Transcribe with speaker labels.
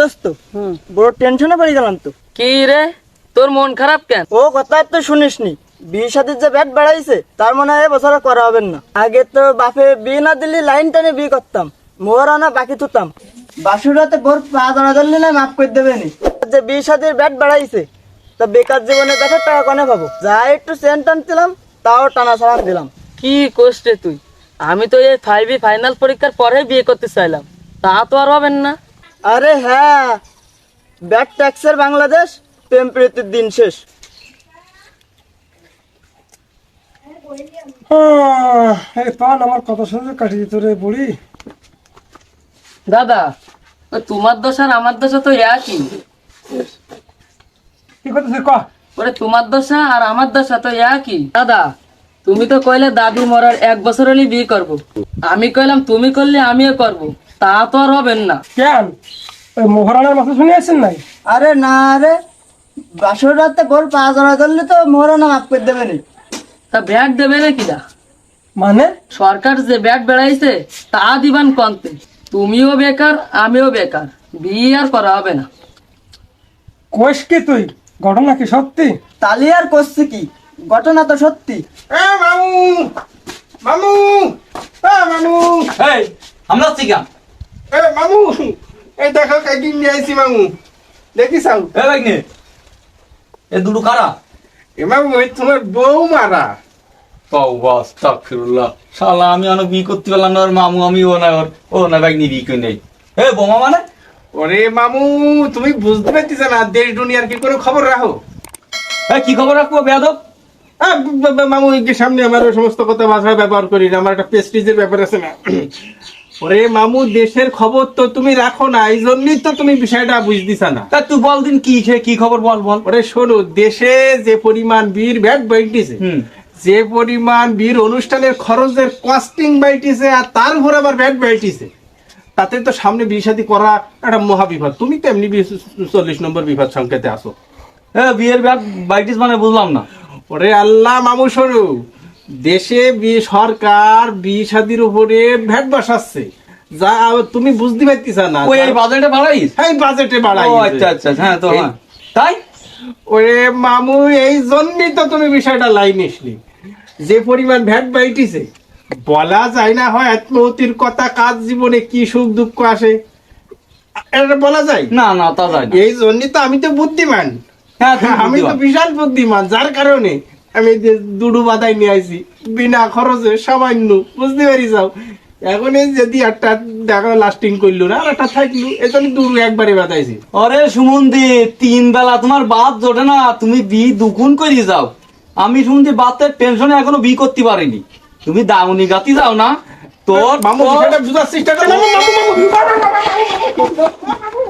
Speaker 1: বুঝছস তো বড় টেনশনে পড়ে গেলাম তো।
Speaker 2: কি রে, তোর মন খারাপ কেন?
Speaker 1: ও কথা তো শুনিসনি, বিয়ে শাদির যে ব্যাট বাড়াইছে তার মনে হয় এবছর করা হবে না। আগে তো বাপে বিয়ে না দিলে লাইন টানে বিয়ে করতাম, মোহরানা বাকি থুতাম। বাসুরাতে বোর পা জড়া ধরলি না মাফ করে দেবে নি। যে বিয়ে শাদির ব্যাট বাড়াইছে তা বেকার জীবনে ব্যাটের টাকা কনে পাবো? যা একটু চেন টানছিলাম তাও টানা ছাড়ান দিলাম।
Speaker 2: কি কোস রে তুই? আমি তো এই 5B ফাইনাল পরীক্ষার পরে বিয়ে করতে চাইলাম, তা তো আর হবেন না।
Speaker 1: আরে হ্যাঁ, ব্যাট ট্যাক্সের বাংলাদেশ, প্রেম প্রীতির দিন শেষ।
Speaker 3: এই পান আমার কথা শুনে কাটি দিত রে বুড়ি।
Speaker 2: দাদা, ওই তোমার দোষ আর আমার দোষ তো একই।
Speaker 3: কি করতেছিস ক?
Speaker 2: ওরে তোমার দশা আর আমার দশা তো একই। দাদা, তুমি তো কইলে দাদি মরার 1 বছর হলে বিয়ে করব, আমি কইলাম তুমি করলে আমিও করব, তা তো আর হবেন না।
Speaker 3: কেন ওই মোহরানার মাথা শুনে আসছেন নাই?
Speaker 1: আরে না রে, বাসুরাতে বোর পা জড়া ধরলে তো মোহরানা মাফ করে দেবে নি।
Speaker 2: তা ব্যাট দেবে না কিনা?
Speaker 3: মানে
Speaker 2: সরকার যে ব্যাট বেড়াইছে তা দিবান কন্তে। তুমিও বেকার আমিও বেকার, বিয়ে আর করা হবে না।
Speaker 3: কোষ কি তুই? ঘটনা কি সত্যি?
Speaker 1: তালি আর করছি কি, ঘটনা তো সত্যি।
Speaker 4: মামু মামু মামু
Speaker 5: এই আমরা চিকাম
Speaker 4: মামু, এই দেখো কাইটিং নিয়ে আইছি মামু, দেখি চাও।
Speaker 5: এ ভাগ্নে, এ দুটো কারা?
Speaker 4: এ মামু ওই তোমার বউ মারা।
Speaker 5: আস্তাগফিরুল্লাহ, শালা আমি অনেক বিয়ে করতে পারলাম না, ওর মামু আমি ও না ভাগ্নি বিয়ে করে নেই। এ বোমা মানে?
Speaker 4: ওরে মামু, তুমি বুঝতে পারতেছ না দেশ দুনিয়ার কি কোনো খবর রাখো?
Speaker 5: এ কি খবর রাখবো বেয়াদব?
Speaker 4: মামু এই যে সামনে আমার ওই সমস্ত কথা ভাষায় ব্যবহার করি না, আমার একটা প্রেস্টিজের ব্যাপার আছে না। ওরে মামু, দেশের খবর তো তুমি রাখো না, এই জন্যই তো তুমি বিষয়টা বুঝতেছ না।
Speaker 5: তা তুই বল দিন কি খবর বল বল।
Speaker 4: ওরে শোনো, দেশে যে পরিমাণ বীর ভ্যাট বাইটিছে, যে পরিমাণ বীর অনুষ্ঠানের খরচের কস্টিং বাইটিছে, আর তার উপর আবার ভ্যাট বাইটিছে, তাতে তো সামনে বিয়ে শাদী করা একটা মহাবিপদ। তুমি তো এমনি 40 নম্বর বিপদ সংকেতে আসো।
Speaker 5: এ বিয়ের ব্যাট বাইটিস মানে বুঝলাম না।
Speaker 4: ওরে আল্লাহ মামু, শোনো, দেশে সরকার বিয়ে শাদীর উপরে ভ্যাট বসাচ্ছে, যা তুমি বুঝতে পারতিস না।
Speaker 5: ওই এই বাজেটে বাড়াইস?
Speaker 4: হ্যাঁ, বাজেটে বাড়াই।
Speaker 5: ও আচ্ছা আচ্ছা, হ্যাঁ তো হ্যাঁ। তাই
Speaker 4: ওরে মামু, এই জন্যই তো তুমি বিষয়টা লাইন আসলি। যে পরিমাণ ভ্যাট বাইটিছে, বলা যায় না হয় আত্মহতির কথা, কাজ জীবনে কি সুখ দুঃখ আসে, এটা বলা যায়
Speaker 5: না না, তা যায় না।
Speaker 4: এই জন্যই তো আমি তো বুদ্ধিমান।
Speaker 5: হ্যাঁ তুমি
Speaker 4: আমি তো
Speaker 5: বুদ্ধিমান।
Speaker 4: বিশাল বুদ্ধিমান, যার কারণে আমি দুডু বাদাই নিয়ে আইছি বিনা খরচে, সামান্য, বুঝতে পারি যাও। এখন এই যদি একটা দেখা লাস্টিং করলো না, আর একটা থাকলো, এই জন্য দুডু একবারে বাদাইছি।
Speaker 5: আরে সুমন্দি, 3 বেলা তোমার বাদ জোটে না, তুমি বি দুগুণ করে যাও। আমি সুমন্দি বাতের টেনশনে এখনো বি করতে পারিনি, তুমি দাউনি গাতি যাও না তোর।
Speaker 4: মামু বিষয়টা বুঝার চেষ্টা করো। মামু, মামু, মামু, মামু, মামু, মামু, মামু, মামু, মামু, মামু,